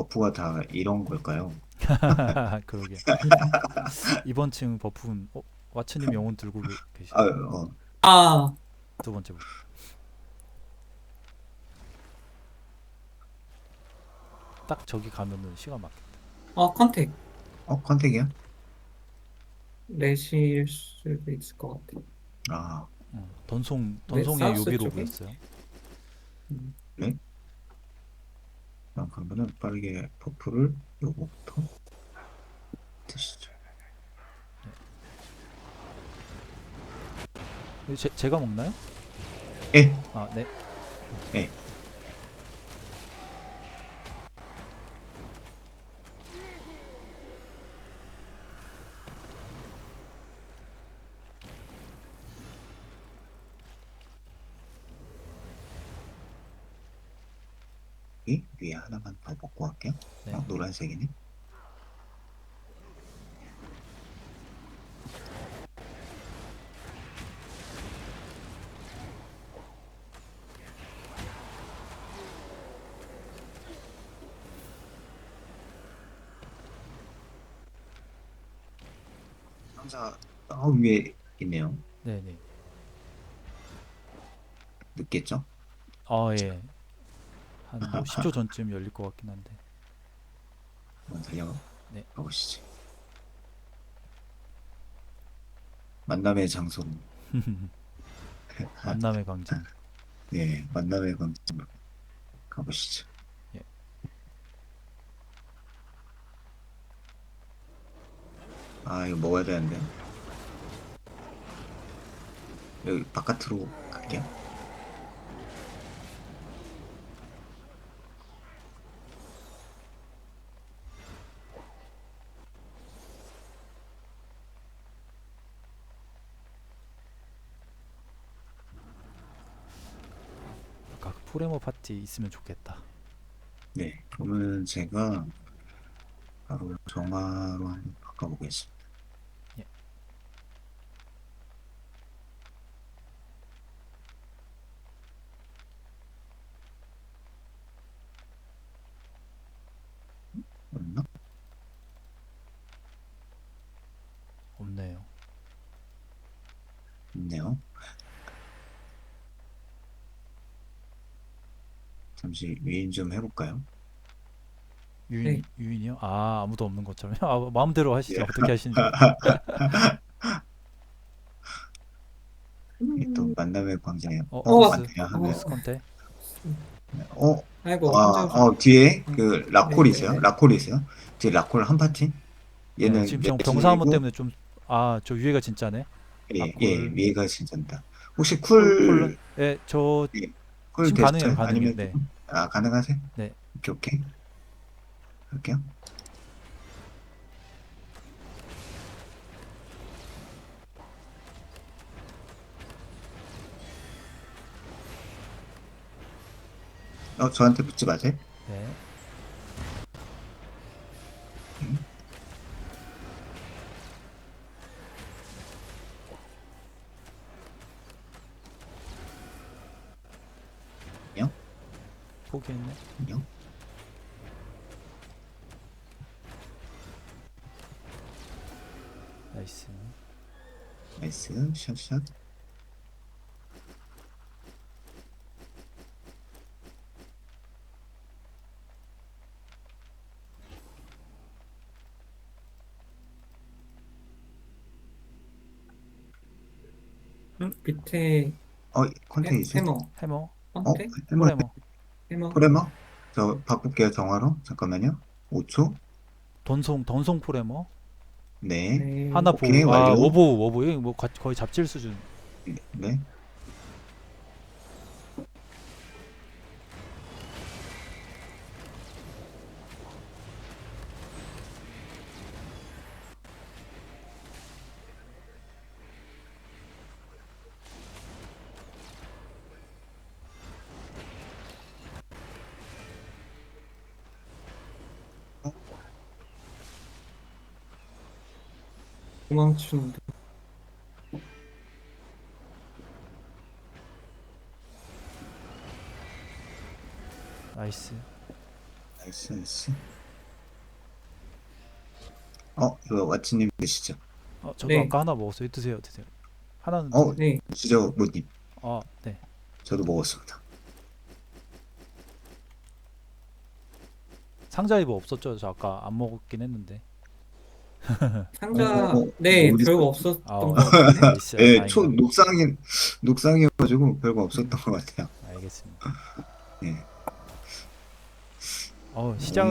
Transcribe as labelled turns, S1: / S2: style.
S1: 버프가 다 이런 걸까요?
S2: 그러게. 이번 층 버프는 와츠님 영혼 들고
S1: 아,
S2: 계시네요.
S3: 아,
S2: 두 번째 버프. 딱 저기 가면은 시간 막혀.
S3: 컨택.
S1: 컨택이야?
S3: 넷일 수도 있을 것 같아.
S1: 아,
S3: 네,
S2: 던송의
S3: 사우스
S2: 요비로
S3: 쪽에?
S2: 보였어요.
S3: 음,
S1: 그래? 그러면은 빠르게 버프를 요거부터 드시죠.
S2: 제가 먹나요?
S1: 예,
S2: 아, 네.
S1: 예. 이 위에 하나만 더 먹고 갈게요.
S2: 네.
S1: 노란색이네. 상자 위에 있네요.
S2: 네, 네.
S1: 늦겠죠?
S2: 예. 한 뭐 10초 전쯤 열릴 것 같긴 한데.
S1: 한번 달려가
S2: 네.
S1: 보시죠. 만남의 장소로.
S2: 만남의 광장.
S1: 네, 만남의 광장으로 가보시죠.
S2: 예.
S1: 이거 먹어야 되는데. 여기 바깥으로 갈게요.
S2: 아까 그 포레모 파티 있으면 좋겠다.
S1: 네, 그러면 제가 바로 정화로 한번 바꿔보겠습니다.
S2: 예.
S1: 없나?
S2: 없네요.
S1: 있네요. 잠시 위인 좀 해볼까요?
S3: 네.
S2: 유인이요? 아, 아무도 없는 것처럼. 마음대로 하시죠.
S1: 예.
S2: 어떻게 하시는지.
S1: 이게 또 만남의 광장에
S3: 어,
S2: 버스.
S1: 맞네요 하면
S2: 버스 컨테.
S1: 어,
S3: 아이고, 혼자 오셨다.
S1: 뒤에 그 라콜이 있어요.
S3: 네네네.
S1: 라콜이 있어요. 뒤에 라콜 한 파티.
S2: 네,
S1: 얘는
S2: 지금 병사 한번
S1: 내실이고
S2: 때문에 좀, 저 위에가 진짜네.
S1: 예,
S2: 아콜,
S1: 위에가 진짜입니다. 혹시
S2: 콜론. 예, 저
S1: 예, 쿨
S2: 지금 가능해요,
S1: 됐어요?
S2: 가능해요.
S1: 아니면
S2: 네,
S1: 가능하세요?
S2: 네.
S1: 오케이, 오케이. 할게요. 저한테 붙지 마세요.
S2: 네.
S1: 음, 안녕,
S2: 포기했네.
S1: 안녕.
S2: 나이스.
S1: 나이스, 샷샷.
S3: 밑에
S1: 컨테이지.
S3: 해머.
S2: 해머,
S3: 컨택?
S1: 해머,
S2: 포레머.
S3: 해머.
S1: 프레머? 저 바꿀게요, 정화로. 잠깐만요. 5초.
S2: 던송 포레머.
S1: 네.
S3: 네.
S2: 하나
S1: 오케이,
S2: 보호.
S1: 완료.
S2: 워보. 이거 뭐 거의 잡질 수준.
S1: 네. 네. 어,
S3: 도망치는데.
S2: 나이스.
S1: 나이스, 나이스. 이거 왓츠님 드시죠.
S2: 저도
S3: 네.
S2: 아까 하나 먹었어요. 드세요, 드세요. 하나는
S3: 네.
S1: 드시죠, 모님.
S2: 네.
S1: 저도 먹었습니다.
S2: 상자에 뭐 없었죠? 저 아까 안 먹었긴 했는데.
S3: 상자,
S1: 어,
S3: 네,
S1: 어디
S3: 별거
S1: 있어?
S3: 없었던
S2: 아,
S3: 것 같은데.
S2: 나이스.
S1: 예,
S2: 다행이다.
S1: 녹상이어가지고 별거 없었던 것 같아요.
S2: 알겠습니다.
S1: 예.
S2: 시작